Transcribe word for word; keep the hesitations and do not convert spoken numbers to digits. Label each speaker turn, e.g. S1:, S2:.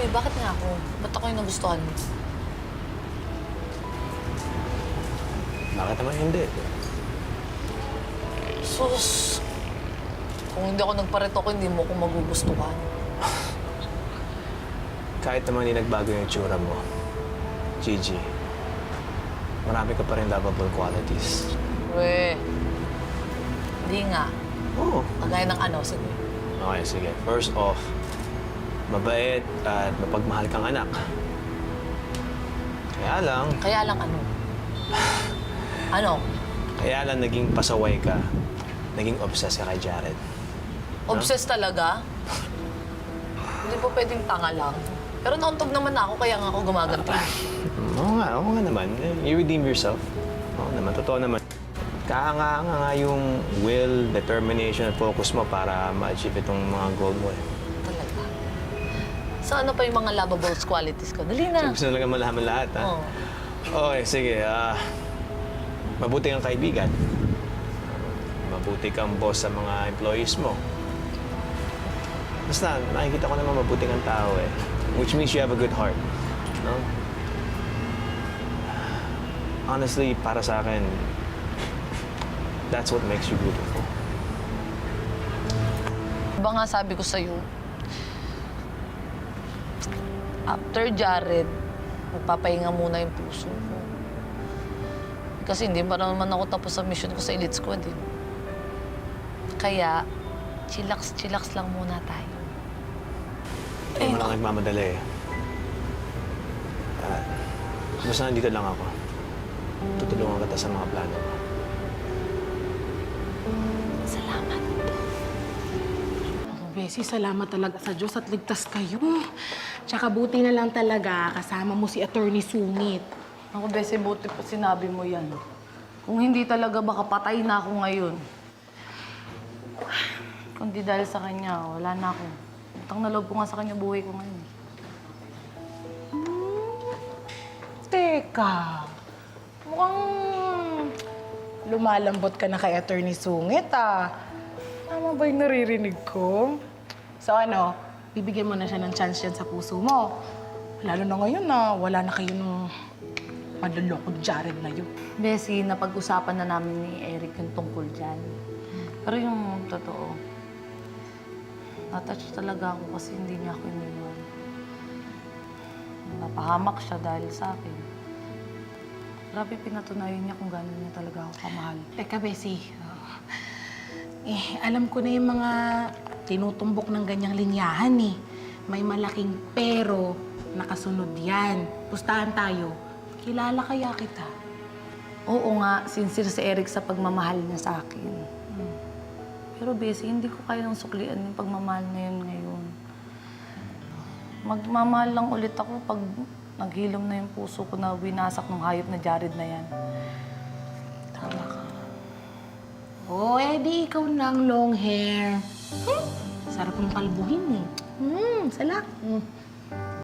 S1: Anyway, bakit nga ako? Ba't ako yung nagustuhan mo?
S2: Bakit naman hindi?
S1: Sus! Kung hindi ako nagparito ko, hindi mo ako magugustuhan.
S2: Kahit naman hindi nagbago yung itsura mo, Gigi, marami ka pa rin lovable qualities.
S1: We, hindi nga.
S2: Oo.
S1: Kagaya ng ano, sige.
S2: Okay, sige. First off, mabait at mapagmahal kang anak. Kaya lang,
S1: Kaya lang ano? Ano?
S2: kaya lang naging pasaway ka, naging obsessed ka kay Jared.
S1: Obsessed talaga? Hindi po pwedeng tanga lang. Pero nauntog naman ako, kaya nga ako gumaganti.
S2: Oo nga, oo nga naman. You redeem yourself. Oo naman, totoo naman. Kahanga-hanga nga yung will, determination, at focus mo para ma-achieve itong mga goal mo eh.
S1: Talaga. So ano pa yung mga lovable qualities ko? Dali na.
S2: So, gusto na lang malaman lahat, ha?
S1: Oo.
S2: Okay, sige. ah mabuti kang kaibigan. Mabuti kang boss sa mga employees mo. Basta, nakikita ko naman mabuti kang tao eh. Which means you have a good heart. No? Honestly, para sa akin, that's what makes you beautiful.
S1: Diba nga sabi ko sa'yo, after Jared, magpapahinga muna yung puso ko. Kasi hindi pa naman ako tapos sa mission ko sa Elite Squad eh. Kaya, chillax-chillax lang muna tayo.
S2: Hindi mo lang nagmamadali eh. Ah, basta nandito lang ako. Tutulungan kita sa mga plano mo.
S1: Salamat.
S3: Oh, Bessie, salamat talaga sa Diyos at ligtas kayo. Tsaka buti na lang talaga kasama mo si Attorney Sungit.
S1: Ako, Bessie, buti pa sinabi mo yan. Kung hindi talaga, baka patay na ako ngayon. Kung di dahil sa kanya, wala na ako. Utang na loob ko nga sa kanya buhay ko ngayon.
S3: Teka, mukhang lumalambot ka na kay Attorney Sungit, ah. Tama ba yung naririnig ko? So ano, bibigyan mo na siya ng chance yan sa puso mo. Lalo na ngayon na wala na kayo ng madalokod Jared na yun.
S1: Bessie, napag-usapan na namin ni Eric yung tungkol dyan. Pero yung totoo, natouch talaga ako kasi hindi niya ako iniwan. Napahamak siya dahil sa akin. Grabe pinatunayan niya kung gano'n niya talaga ako kamahal.
S3: Teka, Bessie. Oh. Eh, alam ko na yung mga tinutumbok ng ganyang linyahan eh. May malaking pero nakasunod yan. Pustahan tayo. Kilala kaya kita?
S1: Oo nga, sincere si Eric sa pagmamahal niya sa akin.
S3: Hmm.
S1: Pero Bessie, hindi ko kayang suklian yung pagmamahal na yun ngayon. Magmamahal lang ulit ako pag naghilom na yung puso ko na winasak ng hayop na Jared na yan.
S3: Tama ka. Oh, eh di ikaw ng long hair. Hmm? Sarap ng kalbuhin eh. Hmm, salak. Hmm.